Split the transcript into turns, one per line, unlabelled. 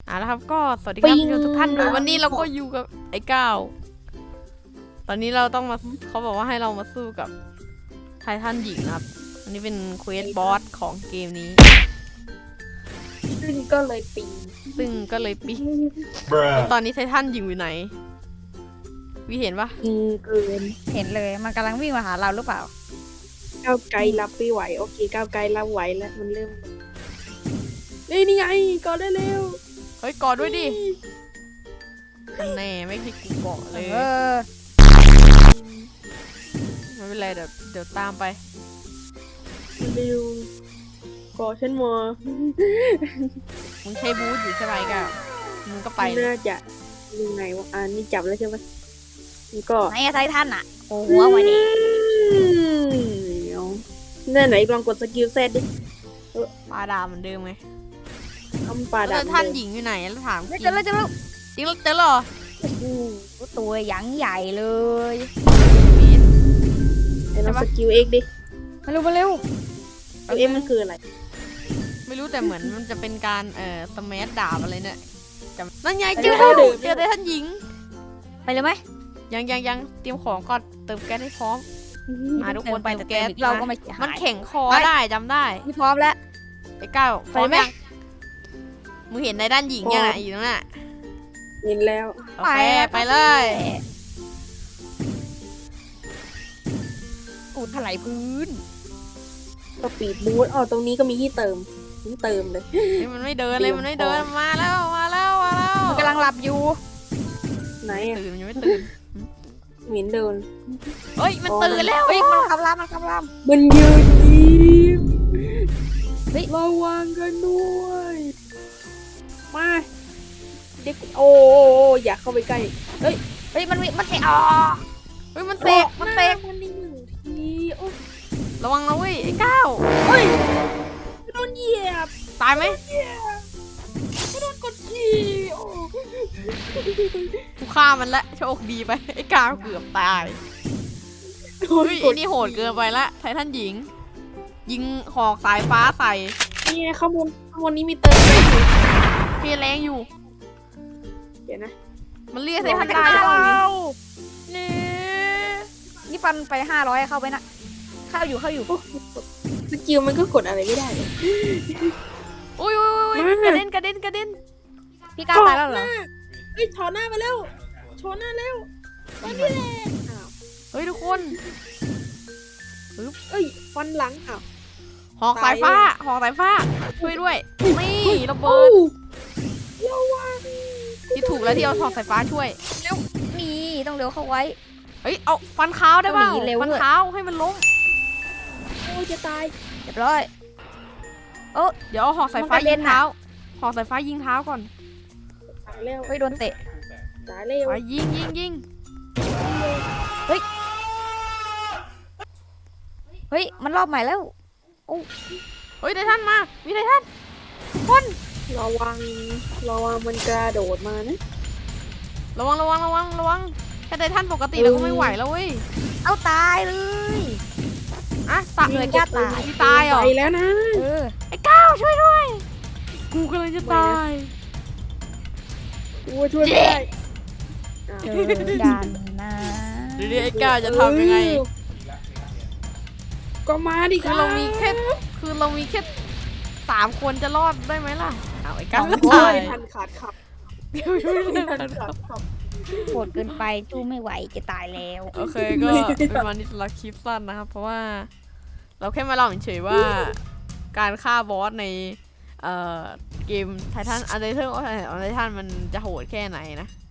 แล้วครับก็สวัสดีครับทุกท่านด้วยวันนี้เราก็อยู่กับไอ้ก้าวตอนนี้เราต้องมาเขาบอกว่าให้เรามาสู้กับไททันหญิงครับอันนี้เป็นเควสบอสของเกมนี้
ซึ่งก็เลยปี
ตอนนี้ไททันหญิงอยู่ไหนวิเห็นปะ
เกิน
เห็นเลยมันกำลังวิ่งมาหาเราหรือเปล่า
ก้าวไกลรับไม่ไหวโอเคก้าวไกลรับไหวแล้วมันเริ่มนี่ไงกอดได้เร็ว
เฮ้ยกอดด้วยดิแน่ไม่คิดกูเกาะเลยไม่เป็นไรเดี๋ยวตามไป
เร็วกอดฉันมา
มึงใช้บูทอยู่ใช่ไหมก้าวมึงก็ไป
น่าจะยังไงวะนี่จับแล้วใช่ไหมนี่ก็
ไหนไททันอ่ะโอ้หัวมาดิ
เนี่ยไหนลองกดสกิลเซตดิ
ปลาดาเหมือนเดิมไง
ทำปลาดา
ท่านหญิงอยู่ไหนแล้วถาม
เจอแล้วจริง
เหรอ
ตัวหยังใหญ่เลย
ไอ้ลองสกิลเอ็กดิ
มาเร็ว
เอ็กมันคืออะไร
ไม่รู้แต่เหมือนมันจะเป็นการสมัชดาบอะไรเนี่ยนั่นไงเจอได้ท่านหญิง
ไปเลยไหม
ยังเตรียมของก่อนเติมแก๊สให้พร้อมทุกคน
ไปแก๊สเราก็ไม่
มันแข็งคอได้จำได้
ไม่พร้อมแล้ว
ไอ้ก้าวพร้อมยังมึงเห็นในด้านหญิงยังไงอยู่นั่นน่ะ
เห็นแล้ว
โอเคไปเลย
กูถลายพื้น
สปีดบูทตรงนี้ก็มีที่เติมเลย
นี่มันไม่เดินเลยมันไม่เดินมาแล้ว
มันกำลังหลับอยู่
ไหน
ตื่นมันยังไม่ตื่น
เหม็นเดิน
เฮ้ยมันตื่นแล้ว
มันคำราม
มันยืนยิ้มระวังกันด้วยมาเด็กอยากเข้าไปใกล้
เฮ้ยมันเตะ
มันเตะ
มันนี่หนึ่งที
ระวังนะเว้ยไอ้ก้าว
โดนเหยียบ
ตายไหม
โดนกดขี่
กูฆ่ามันละโชคดีไปไอ้ก้าวเกือบตายเฮ้ยไอ้นี่โหดเกินไปละไททันหญิงยิงหอกสายฟ้าใส่
นี่ข้างบนนี้มีเติม
แรงอยู่
เดี๋ยวนะ
มันเรียกไททันได้
นี่ฟันไป500เข้าไปนะเข้าอยู่
สกิลมันก็กดอะไรไม่ได้เลย
อุ้ยกระเด็น
พี่ก้าวตายแล้วเหรอ
ถอหน้าไปแล้วโชว์หน้าเร็วตอนนี้แหละ
เฮ้ยทุกคน
ฟันหลัง
หอกสายฟ้าช่วยด้วยนี่ระเบิดที่ถูกแล้วที่เอาหอกสายฟ้าช่วย
เร็วนี่ต้องเร็วเข้าไว้
เอาฟันเท้าได้ป่ะฟันเท้าให้มันล้ม
จะตาย
เรียบร้อย
เดี๋ยวเอาหอกสายฟ้ายิงเท้าหอกสายฟ้ายิงเท้าก่อน
ตายแล้ว
โดนเตะ
ตายแล้ว
ยิง
เฮ้ยมันรอบใหม่แล้ว
เฮ้ยไททันมามีไททันทุกคน
ระวังมันกระโดดมานะ
ระวังแค่ไททันปกติเราก็ไม่ไหวแล้วเว้ย
เอาตายเลย
ตายเลยตายเหรอ
ไปแล้วนะ
ไอ้ก้าวช่วยด้วยกูกำลังจะตาย
กูช่วยไม่ได้
ดันนะ
เดี๋ยวไอ้ก้าวจะทำยังไง
ก็มาดิ
คือเรามีแค่3 คนจะรอดได้ไหมล่ะเอาไอ้ก้าว
ตายทันขาดขับ
โหดเกินไปสู้ไม่ไหวจะตายแล้ว
โอเคก็เป็นวันนี้สำหรับคลิปสั้นนะครับเพราะว่าเราแค่มาเล่าเฉยๆว่าการฆ่าบอสในเกมไททันอันเดอร์เทอร์ของไททันมันจะโหดแค่ไหนนะ